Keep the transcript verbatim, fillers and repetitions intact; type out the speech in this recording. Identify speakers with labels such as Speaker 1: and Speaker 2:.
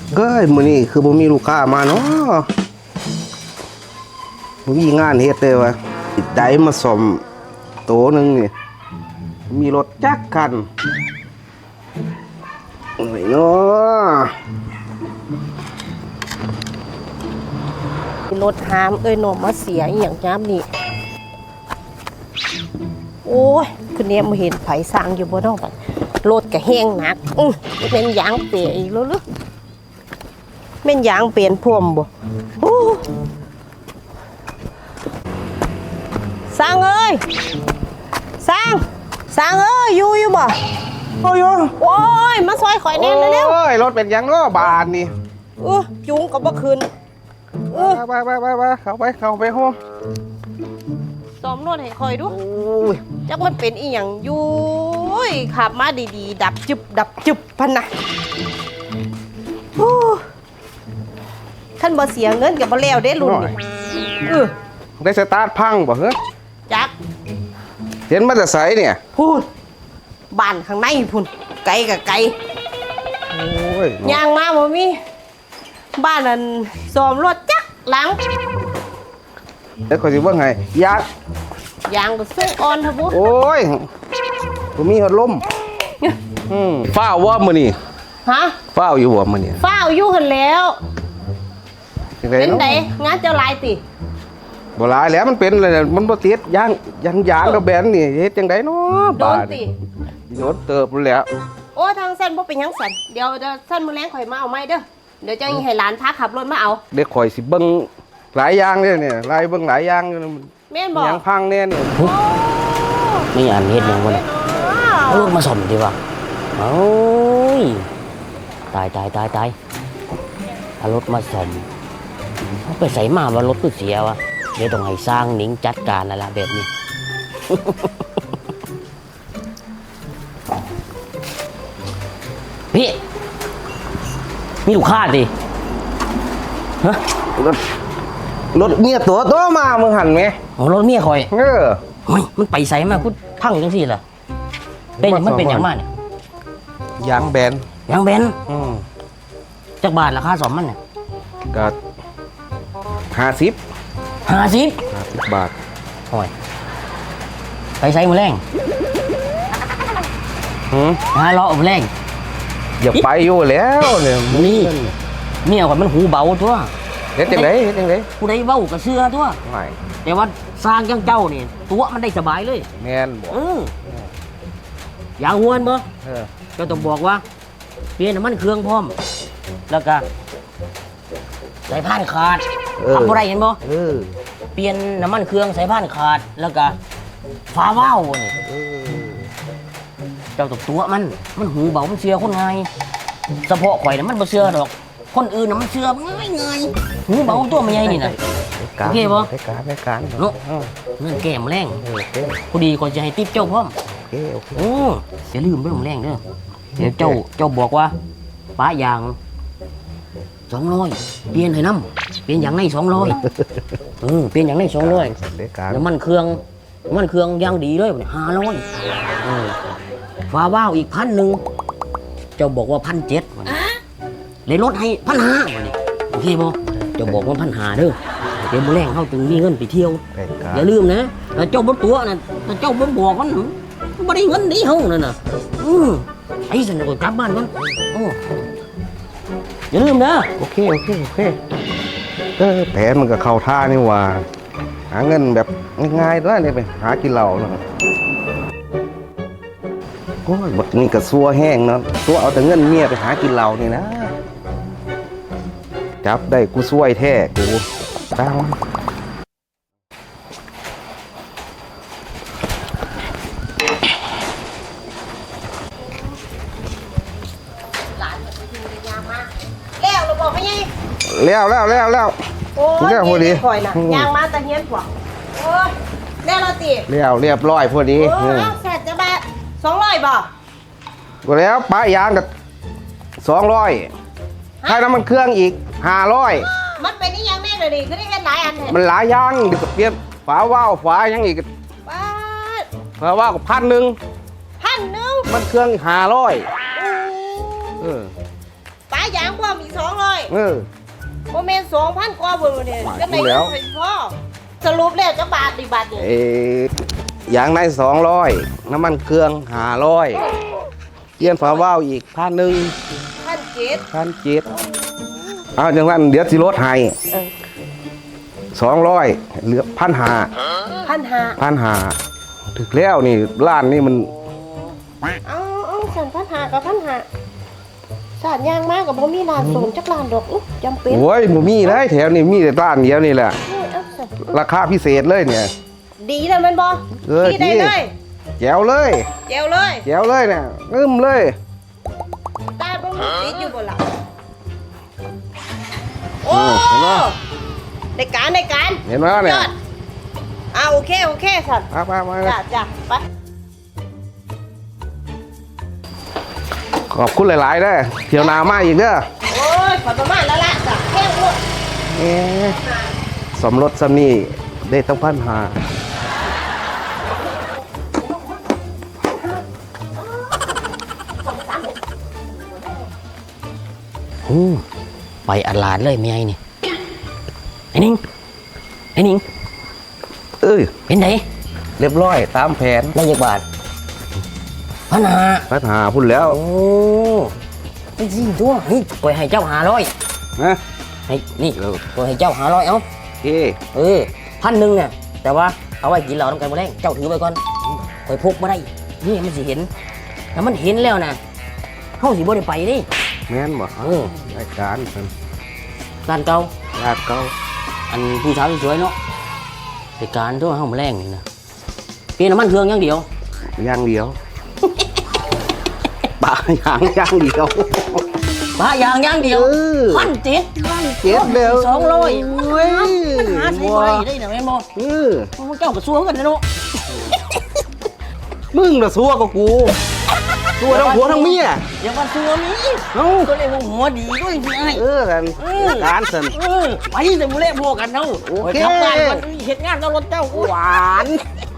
Speaker 1: เฮ้ยมื้อนี้คือบ่มีลูกค้ามาเนาะบ่มีงานเฮ็ดเลยวะได้มาซ่อมโตนึงนี่มีรถจักรคันโอ้ยเนาะ
Speaker 2: รถหามเอ้ยหนมมาเสียอหย่างจ้ามนี่โอ้ยคือเนี้ยมาเห็นไผสร้างอยู่บนห้องบัดรถก็แห้งหนักอื้อเป็นยางเปียอีกแล้วหรือเป็นยางเปลี่ยนพวมบ่โอ้สร้างเอ้ยสร้างสร้างเอ้ยอยู่อยู่บ่โอ้ยโอ้ยมาซอยข่อยแน่เร็ว
Speaker 1: โอ้ยรถเป็นหยังเนาะบาดนี่
Speaker 2: ๆเออจุงก็บ่คืนเออ
Speaker 1: ไปไปไปไปเข้าไปเข้าไปโฮม
Speaker 2: ซ้อมนวดให้ข่อยดู
Speaker 1: โอ้ย
Speaker 2: จักมันเป็นอีหยังอยู่ยขับมาดีๆดับจึบดับจึบพันนะโอ้ท่านบ่เสียเงินกับบ่แล้วเด้รุ่นนี่เออ
Speaker 1: ได้สตาร์ทพังบ่เฮ้ย
Speaker 2: จัก
Speaker 1: เห็นมาแต่ไสเนี่ย
Speaker 2: พูนบ้านข้างในพุ่นไกลกับไกล
Speaker 1: โอ้ย
Speaker 2: ย่างมาบ่มีบ้านนั้นซ้อมรถจักหลัง
Speaker 1: เดี๋ยวขอยสิเบิ่งให้ยาง
Speaker 2: ยางก็สู้อ่อนทะบุ
Speaker 1: โอ้ยบ่มีหัดลมอืมฟ้าวว่ามื้อนี้
Speaker 2: ฮะ
Speaker 1: ฟ้าวอยู่บ่มื้อนี้
Speaker 2: ฟ้าวอยู่หั่นแล้ว
Speaker 1: จังได๋
Speaker 2: เป็น
Speaker 1: เนาะ
Speaker 2: ไดงานเจ้าลายติ
Speaker 1: บ่หลายแล้วมันเป็นอะไรมันบ่ติดยางยางยางกับแบนนี่เฮ็ดจังไดเนาะ
Speaker 2: โด
Speaker 1: บาน ด
Speaker 2: ติ
Speaker 1: โดนเติบแล้ว
Speaker 2: โอ้ทางเส้นบ่เป็นหยังสันเดี๋ยวจะเส้นมื้อแรงข่อยมาเอาไม้เด้อเดี๋ยวจะให้หลานพาขับรถมาเอา
Speaker 1: เด็กข่อยสิเบิ่งหลายอย่างเลยเนี่ยหลายเบิ่งหลายอย่างอยู่นะ
Speaker 2: แม่นบ่
Speaker 1: ยางพังแน่นี่
Speaker 2: โอ้
Speaker 3: นี่อันเฮ็ดหยังวะเนี่ยเอารถมาซ่อมดีกว่าโอ้ยตายตายตายตายเอารถมาซ่อมเขาไปใส่มาว่ารถก็เสียวะเดี๋ยวต้องให้สร้างหนิงจัดการนั่นละแบบนี้ พี่มีลูกค้าดิฮะ
Speaker 1: รถรถเมียตัวตัวมามึงหันไหม
Speaker 3: โอ้รถเมียคอย
Speaker 1: เออ
Speaker 3: เฮ้ยมันไปใส่มากูพังจังซี่ล่ะเป็นหยังมันเป็นอย่างมากเนี่ย
Speaker 1: ยางแบน
Speaker 3: ยางแบน
Speaker 1: อืม
Speaker 3: จักบาทราคาสอมมันเนี่ย
Speaker 1: ก็ห้าสิบ
Speaker 3: ห้าสิบ
Speaker 1: ห้าสิบบาท
Speaker 3: โอ้ยไปใส่มือแรง
Speaker 1: หืม
Speaker 3: หาเลาะมือแรง
Speaker 1: อย่าไปอยู่แล้วเนี่ย
Speaker 3: นี่เมียก่อนมันหูเบาตัว
Speaker 1: เฮ็ดจังไดเฮ็ดจังได
Speaker 3: ผู้ใดเว้ากับเสื้อตัว
Speaker 1: ไม่
Speaker 3: แต่ว่าสร้างจังเจ้านี่ตัวมันได้สบายเลย
Speaker 1: แม่นบ่
Speaker 3: เอออย่างหวนบ่
Speaker 1: เออ
Speaker 3: เจ้าต้องบอกว่าเปลี่ยนน้ำมันเครื่องพร้อม แล้วก็สายพานขาดทำอะไรเห็นบ่
Speaker 1: เออ
Speaker 3: เปลี่ยนน้ำมันเครื่องสายพานขาดแล้วก็ฟ้าว้าวนี่
Speaker 1: เออ
Speaker 3: เจ้าตกตัวมันมันหูเบามันเชื่อคนง่ายเฉพาะข่อยน่ะมันบ่เชื่อดอก คนอื่นน่ะมันเชื่อง่ายง่ายหูเบาตัวมันใหญ่นี่น่ะ โอเคบ่
Speaker 1: ได้การได้การ
Speaker 3: เนาะ
Speaker 1: เออ
Speaker 3: เงินแก้มแรง
Speaker 1: โอเค
Speaker 3: พอดีก่อนจะให้ติ๊บเจ้าพร้อม
Speaker 1: โอเคโอเค
Speaker 3: โอ้อย่าลืมเรื่องแรงเด้อเดี๋ยวเจ้าเจ้าบอกว่าป้ายางสองร้อยเปลี่ยนให้น้ำเปลี่ยนอย่างในสองร้อยเออเปลี่ยนอย่างในสองร้อย
Speaker 1: ได้การ
Speaker 3: น้ำมันเครื่องน้ำมันเครื่องอย่างดีเลยห้าร้อยฟ้าว้าวอีกพันหนึ่งเจ้าบอกว่าพันเจ็ดเลยลดให้พันห้าวันนี้โอเคบ่เจ้าบอกว่าพันห้าเด้อเดี๋ยวมื้อแรงเขาจึงมีเงินไปเที่ยว
Speaker 1: ได้การ
Speaker 3: อย่าลืมนะถ้าเจ้าบนตัวน่ะถ้าเจ้าบนบอกมันมันไม่ได้เงินดีเฮานั่นน่ะอือไอ้สันก็กลับบ้านมันโอ้อย่าลืมนะ
Speaker 1: โอเคโอเคโอเคเออแผนมันก็เข้าท่านี่หว่าหาเงินแบบง่ายๆด้วยเนี่ยไปหากินเหล้าเนาะโอ้ยบัดนี้ก็ซัวแห้งเนาะซัวเอาแต่เงินเมียไปหากินเหล้านี่นะจับได้กูซวยแท้กูตาม
Speaker 2: หลานมันไปอยู่ในยามมาแล้วเราบอกไม่ไง
Speaker 1: แล้วแล้วแล้วแล้ว
Speaker 2: โอ้ย
Speaker 1: แล้วพอดี
Speaker 2: ข่อยน่ะยางมาตะเฮียนกว่าโอ้ยแล้วเราติ
Speaker 1: แล้วเรียบร้อยพอดี
Speaker 2: โอ้ยแสนจะบาทสองร้อยบ่
Speaker 1: ก็แล้วป้ายางกับสองร้อยให้น้ำมันเครื่องอีกห้าร้อย
Speaker 2: มันเป็นนี่ยังแม่เลยดิคือได้เห็นหลายอันเห็น
Speaker 1: มันหลายอย่างเดี๋ยวก็เปลี่ยนฝาว่าวฝายังอีก
Speaker 2: บาท
Speaker 1: ฝาว่าวกับพันหนึ่ง
Speaker 2: พันหนึ่ง
Speaker 1: มันเครื่องห้าร้อยเออ
Speaker 2: ไปายางความอีกสองร้อย
Speaker 1: เออ
Speaker 2: โมเมนสองพันกว่าบนเนี่ย
Speaker 1: ว่า
Speaker 2: ก็ใน
Speaker 1: อยู่แล้ว
Speaker 2: เงินพ่อสรุปแล้วจะบาทดีบาทนี่
Speaker 1: เอ้ยางในสองร้อยน้ำมันเครื่องห้าร้อยเกียนฝาว่าวอีกพันหนึ่ง
Speaker 2: พันเจ็ด
Speaker 1: พันเจ็ดเอาจังนั้นเดี๋ยวสิลดให้
Speaker 2: เออ
Speaker 1: สองร้อยเหลือพันหา
Speaker 2: พันห้า
Speaker 1: พันหาถึงแล้วนี่ร้านนี่มัน
Speaker 2: เอาเอาสันพันห้ากับพันห้าสาดยางมากกับบ่มีร้านส่งจักร้านดอกอุ๊ยจำเป็น
Speaker 1: โอ้ยบ่มีเลยแถวนี้มีแต่ร้านเดียวนี่แหละ
Speaker 2: นี่เอาสัน
Speaker 1: ราคาพิเศษเลยเนี่ย
Speaker 2: ดีแล้วมันบ่
Speaker 1: เออ
Speaker 2: ดีได้
Speaker 1: ดี
Speaker 2: เลย
Speaker 1: แจ๋วเลย
Speaker 2: เจียวเลย
Speaker 1: แจ๋วเลยเนี่ยงึมเลย
Speaker 2: ตาบ่มีติดอยู่บ่ล่ะโอ้
Speaker 1: เออเห็นปะ
Speaker 2: ในการในการ
Speaker 1: เห็นไหมเนี่ย
Speaker 2: ยอดอ่าโอเคโอเคสัน
Speaker 1: มามามา
Speaker 2: จ้ะจ้ะไป
Speaker 1: ขอบคุณหลาย ๆ เด้อเที่ยวหนามาอีกเด้อ
Speaker 2: โอ้ยขอประมาณแล้วละจ้ะแค่หมด
Speaker 1: เอ๊ะสมรสสนี่ได้ต้องพันหา
Speaker 3: หูไปอัดหลาดเลยเมียไอ้นี่ไอ้นิงไอ้นิง
Speaker 1: เอ้ย
Speaker 3: เป็นไง
Speaker 1: เรียบร้อยตามแผน
Speaker 3: ได้ยักบาทพันหา
Speaker 1: พันหาพุ่นแล้ว
Speaker 3: โอ้ไอ้จริงตัวนี่ก่อยให้เจ้าหาร้อย
Speaker 1: นะ
Speaker 3: ให้นี่ก่อยให้เจ้าหาร้อยเอ้า
Speaker 1: โอเค
Speaker 3: เออพันหนึ่งเนี่ยแต่ว่าเอาไว้กินเหล้าน้ำกันมาแรงเจ้าถือไปก่อนก่อยพกมาได้นี่มันสิเห็นถ้ามันเห็นแล้วนะเฮาสิบ่ได้ไปนี่
Speaker 1: แม่นบ่
Speaker 3: เออ
Speaker 1: รายการสัน
Speaker 3: ร้านเก่า
Speaker 1: ลาดเก่า
Speaker 3: อันผู้สาวสวยๆเนาะรายการทั่วเฮามาแรงนี่นะเปลี่ยนน้ำมันเครื่องอย่างเดียว
Speaker 1: อย่างเดียว ป่าอย่างอย่างเดียว
Speaker 3: ปะอย่างอย่างเดียว
Speaker 1: เออ
Speaker 3: พันเจ็ด
Speaker 1: เจ็ดเดียว
Speaker 3: สองร้อย
Speaker 1: เว้ย
Speaker 3: มันหาใช้บ่ได้ได้นะแม่นบ่
Speaker 1: เออ
Speaker 3: เจ้าก็ซัวกันนะเนาะ
Speaker 1: มึงน่ะซัวกับกูซัวทั้งผัวทั้งเมีย
Speaker 3: อย่ามาซัวมี
Speaker 1: เอ้า
Speaker 3: ก็เลยว่าหัวดีด้วยสิไอ้
Speaker 1: เออกันการสัน
Speaker 3: เออไปแต่มื้อแรกพวกกันเนาะ
Speaker 1: โอเค
Speaker 3: ไปทำงานกันเฮ็ดงานกับรถเจ้า
Speaker 1: หวาน